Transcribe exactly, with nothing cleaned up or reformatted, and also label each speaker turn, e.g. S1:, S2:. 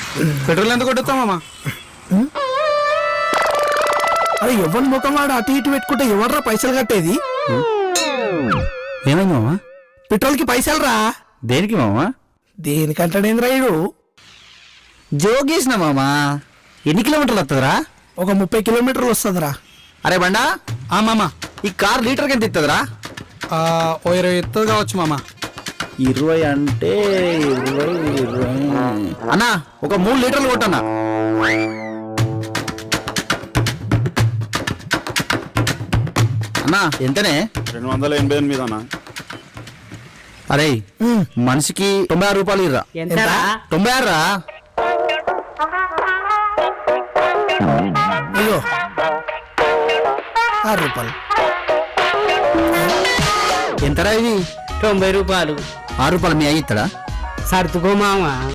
S1: Petrol ఎంత కొట్టుతామమ్మా?
S2: అరే ఎవరి ముఖం వాడు అటు ఇటు పెట్టుకుంటే ఎవర్రా పైసలు కట్టేది?
S1: ఏమైంది మామా?
S2: పెట్రోల్ కి పైసలు రా.
S1: దేనికి మామా?
S2: దేనికంటాడేంద్రా ఇడు?
S1: జోగేసిన మామా. ఎన్ని కిలోమీటర్లు వస్తుందిరా?
S2: ఒక ముప్పై కిలోమీటర్లు వస్తుందిరా.
S1: అరే బండా, ఆ మామా ఈ కార్ లీటర్కి ఎంత ఇస్తుందిరా?
S2: ఓ ఇరవై ఎత్తుంది కావచ్చు మామ.
S1: ఇరవై అంటే ఇరవై ఇరవై అన్నా, ఒక మూడు లీటర్లు కొట్టన్నా. అన్నా ఎంతనే?
S3: రెండు వందల ఎనభై ఎనిమిది అన్న.
S1: అరే మనిషికి తొంభై ఆరు రూపాయలు ఇర్రా. తొంభై ఆరు రా.
S2: అయ్యో ఆరు రూపాయలు.
S1: ఎంతరా ఇది?
S4: తొంభై రూపాయలు.
S1: ఆరు రూపాయలు మీ అయ్యి ఇస్తాడా?
S4: సర్దుకో మామ.